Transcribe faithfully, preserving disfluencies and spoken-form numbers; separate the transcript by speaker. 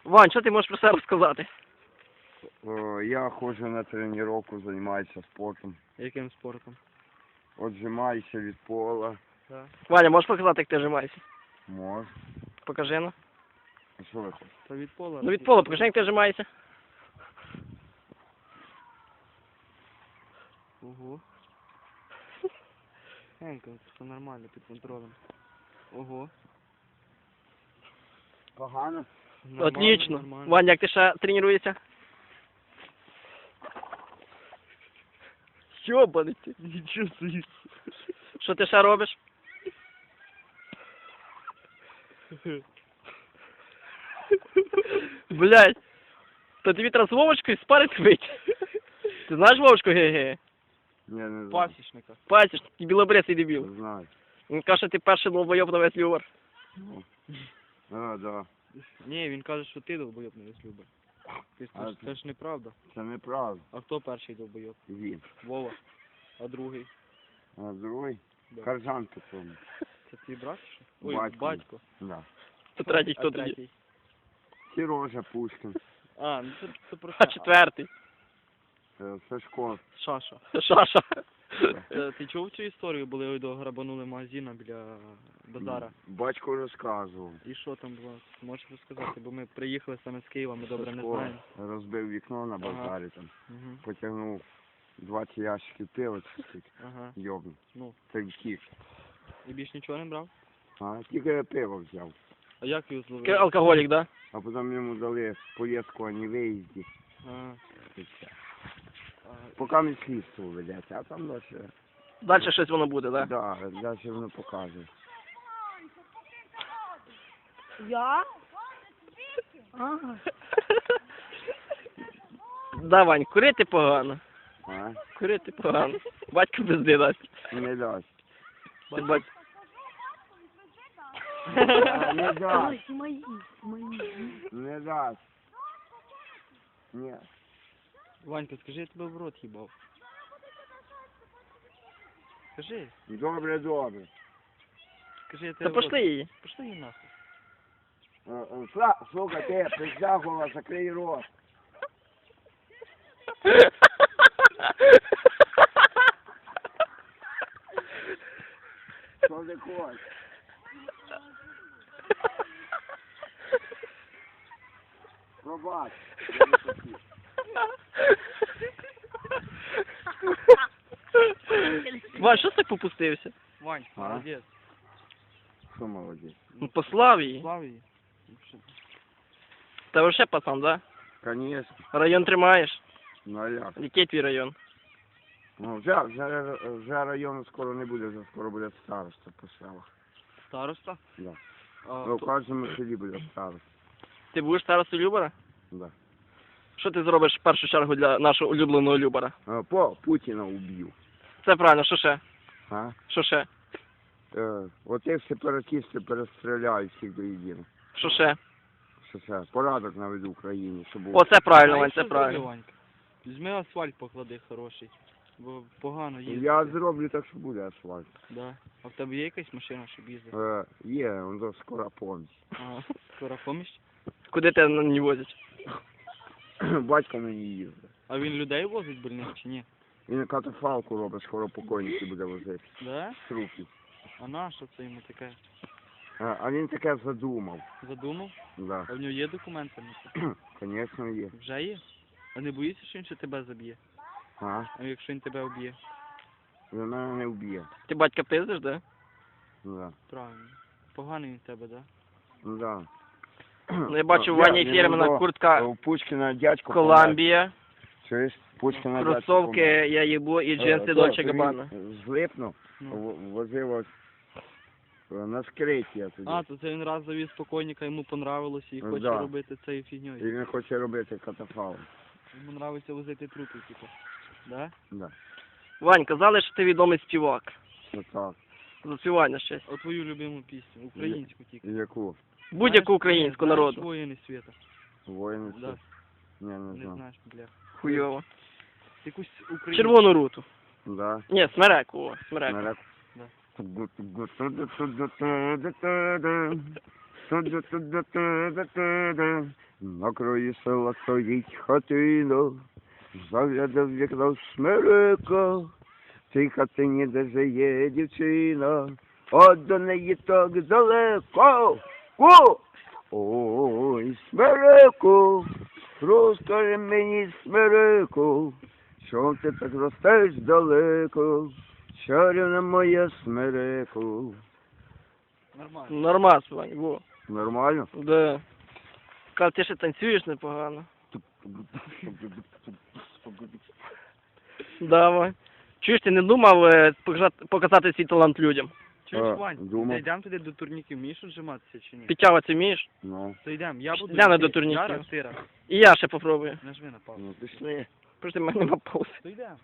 Speaker 1: Вань, що ти можеш про себе розказати?
Speaker 2: О, я ходжу на тренування, займаюся спортом.
Speaker 1: Яким спортом?
Speaker 2: Отжимаюся від пола.
Speaker 1: Так. Ваня, можеш показати, як ти жимаєшся?
Speaker 2: Можу.
Speaker 1: Покажи, ну.
Speaker 2: А що ви хочете?
Speaker 3: Та від пола.
Speaker 1: Ну від пола, покажи, як ти жимаєшся.
Speaker 3: Ого. Генько, все нормально, під контролем. Ого.
Speaker 2: Погано?
Speaker 3: Нормально,
Speaker 1: Отлично.
Speaker 3: нормально.
Speaker 1: Ваня, як ти ще тренуєшся? Йобаний ти.
Speaker 3: Нічого собі.
Speaker 1: Що ти ще робиш? Блядь. То тобі треба з Вовочкою спарити вийти. Ти знаєш Вовочку ге-ге?
Speaker 2: Ні, не знаю.
Speaker 3: Пасічника.
Speaker 1: Пасіш, ти білобрисий дебіл.
Speaker 2: Не знаю.
Speaker 1: Він каже, що ти перший долбойоб на весь Лювер.
Speaker 2: Ну. А, да.
Speaker 3: Ні, він каже, що ти долбойоб не любиш. Ти ж-
Speaker 2: А
Speaker 3: Це ж-
Speaker 2: ти-
Speaker 3: це ж неправда.
Speaker 2: Це неправда.
Speaker 3: А хто перший долбойоб?
Speaker 2: Він.
Speaker 3: Вова. А другий?
Speaker 2: А другий?
Speaker 3: Да.
Speaker 2: Каржан тому.
Speaker 3: Це твій брат? чи що? Ой,
Speaker 2: Батько.
Speaker 3: батько.
Speaker 2: Да.
Speaker 1: То третій
Speaker 3: А
Speaker 1: хто тоді?
Speaker 3: третій?
Speaker 2: Сережа Пушкін.
Speaker 3: А, ну це, це про
Speaker 1: А
Speaker 3: це.
Speaker 1: четвертий?
Speaker 2: Це Сашко.
Speaker 3: Шаша.
Speaker 1: Шаша.
Speaker 3: Е, Ти чув цю історію? Були ой, до грабанули магазина біля базара.
Speaker 2: Батько розказував.
Speaker 3: І що там було? Можеш розказати? Бо ми приїхали саме з Києва, ми добре не
Speaker 2: Сашко
Speaker 3: знаємо.
Speaker 2: розбив вікно на базарі там.
Speaker 3: Угу.
Speaker 2: Потягнув двадцять ящиків пива, чи скільки.
Speaker 3: Ага.
Speaker 2: Йобну.
Speaker 3: Ну,
Speaker 2: Це втік.
Speaker 3: і більш нічого не брав?
Speaker 2: А тільки пиво взяв.
Speaker 3: А як його
Speaker 1: Такий
Speaker 3: зловили?
Speaker 1: алкоголік, да?
Speaker 2: А потім йому дали повістку о невиїзді.
Speaker 3: А,
Speaker 2: І все.
Speaker 3: а,
Speaker 2: Поки не слідство ведеться, а там далі.
Speaker 1: Далі щось воно буде, да?
Speaker 2: Да, далі воно покаже.
Speaker 4: Я? А,
Speaker 1: Да, Вань, курити погано.
Speaker 2: А?
Speaker 1: Курити погано. Батько пизди дасть.
Speaker 2: Не дасть.
Speaker 1: Ти бать...
Speaker 2: А, Не дасть.
Speaker 4: ой, мої, мої.
Speaker 2: Не дасть. Ні.
Speaker 3: Ванька, скажи, я тебе в рот їбав. Скажи,
Speaker 2: Добре, добре.
Speaker 3: скажи, я
Speaker 1: Та
Speaker 3: тебе в рот.
Speaker 1: пошли її.
Speaker 3: Пошли її нахуй.
Speaker 2: Е, е, Сла- Слухай, ти, пизда гола, закрий рот. Що ти хочеш? Пробач. Я не хотів.
Speaker 1: Вань, що ти так попустився?
Speaker 3: Вань,
Speaker 2: А?
Speaker 3: молодець.
Speaker 2: Що молодець?
Speaker 1: Ну, послав її.
Speaker 3: Слав її.
Speaker 1: Та вообще пацан, да?
Speaker 2: Конечно.
Speaker 1: Район тримаєш?
Speaker 2: Ну а як?
Speaker 1: Який твій район?
Speaker 2: Ну, вже, вже, вже району скоро не буде, вже скоро буде староста по селах.
Speaker 3: Староста?
Speaker 2: Да.
Speaker 3: А,
Speaker 2: Ну, в
Speaker 3: хто-
Speaker 2: кожному селі буде староста.
Speaker 1: Ти будеш старостою Любара?
Speaker 2: Да.
Speaker 1: Що ти зробиш в першу чергу для нашого улюбленого Любара?
Speaker 2: Е, По Путіна уб'ю.
Speaker 1: Це правильно, що ще?
Speaker 2: А?
Speaker 1: Що ще?
Speaker 2: Е, Отих сепаратистів перестріляють всіх до єдиного.
Speaker 1: Що ще?
Speaker 2: Що це? Порядок наведу в Україні, щоб було.
Speaker 1: О, це правильно,
Speaker 3: Знаєш,
Speaker 1: Вань,
Speaker 3: що
Speaker 1: це правильно.
Speaker 3: зроби, Ванька? Візьми асфальт поклади хороший. Бо погано їздити.
Speaker 2: Я зроблю так, що буде асфальт.
Speaker 3: Да. А в тебе є якась машина, щоб їздити?
Speaker 2: Е, Є, воно скоро помість.
Speaker 3: Ага. Скоро поміч?
Speaker 1: Куди тебе на ній возять?
Speaker 2: Батько на ній їздить.
Speaker 3: А він людей возить больних чи ні?
Speaker 2: Він катафалку робить, скоро покойники буде возити.
Speaker 3: Да?
Speaker 2: Трупи.
Speaker 3: А на що це йому таке?
Speaker 2: А, а він таке задумав.
Speaker 3: Задумав?
Speaker 2: Да.
Speaker 3: А в нього є документи на це?
Speaker 2: Звісно, є.
Speaker 3: Вже є? А не боїшся, що він ще тебе заб'є?
Speaker 2: А?
Speaker 3: А якщо він тебе вб'є?
Speaker 2: Він мене не вб'є.
Speaker 1: Ти батька пиздиш, да?
Speaker 2: Да.
Speaker 3: Правильно. Поганий він в тебе, да?
Speaker 2: Ну, да.
Speaker 1: Ну, я бачу,
Speaker 2: Я-
Speaker 1: Ваня
Speaker 2: він
Speaker 1: Фірмана
Speaker 2: до-
Speaker 1: куртка
Speaker 2: У Пушкіна дядько.
Speaker 1: Коламбія,
Speaker 2: Чуєш? Пушкіна
Speaker 1: кросовки я їбу і джинси Дольче Габбана.
Speaker 2: Злипнув,
Speaker 3: Ну.
Speaker 2: в- возив ось е, на скриті тоді.
Speaker 3: А, то це він раз завіз покойника, йому понравилося і
Speaker 2: Ну,
Speaker 3: хоче
Speaker 2: да.
Speaker 3: робити цією
Speaker 2: І
Speaker 3: фігньою.
Speaker 2: він хоче робити катафалк.
Speaker 3: Йому нравиться возити трупи, типу. Да?
Speaker 2: Да.
Speaker 1: Вань, казали, що ти відомий співак.
Speaker 2: Отак.
Speaker 1: Заспівання щось.
Speaker 3: А твою любиму пісню, українську тільки.
Speaker 2: Яку?
Speaker 1: Будь-яку українську
Speaker 3: Знаєш
Speaker 1: народу.
Speaker 3: воїни світа.
Speaker 2: Воїни?
Speaker 3: Да.
Speaker 2: Ні, не
Speaker 3: Не
Speaker 2: знаю.
Speaker 3: знаєш, бля.
Speaker 1: Хуйово.
Speaker 3: Якусь українську.
Speaker 1: Червону руту.
Speaker 2: Да.
Speaker 1: Ні, смереку, о, смереку.
Speaker 2: Нарек.
Speaker 3: Да.
Speaker 2: Ту-ду-ту-ду-ту-ду-ту-ду. На краю села стоїть хатина, заглядав в вікно смерека. В цій хатині, де жиє дівчина, от до неї так далеко. О! Ой, смереку, розкажи мені, смереку, чом ти так ростеш далеко, чарівна моя смереку.
Speaker 3: Нормально.
Speaker 1: Нормас, Вань, во.
Speaker 2: Нормально?
Speaker 1: Да. Кав, ти ще танцюєш непогано. Давай. Чуєш, ти не думав е, показати, показати свій талант людям?
Speaker 3: Чуєш,
Speaker 2: А,
Speaker 3: Вань,
Speaker 2: думав.
Speaker 3: йдемо туди до турніків, вмієш отжиматися чи ні?
Speaker 1: Підтягуватися вмієш?
Speaker 2: Ну,
Speaker 3: То йдемо, я буду...
Speaker 1: Йдемо
Speaker 3: йти.
Speaker 1: до турніків.
Speaker 3: Зараз, ти раз.
Speaker 1: І я ще попробую.
Speaker 3: Нажми на паузу.
Speaker 2: ну пішли.
Speaker 1: Просто в мене нема паузи.
Speaker 3: То йдемо.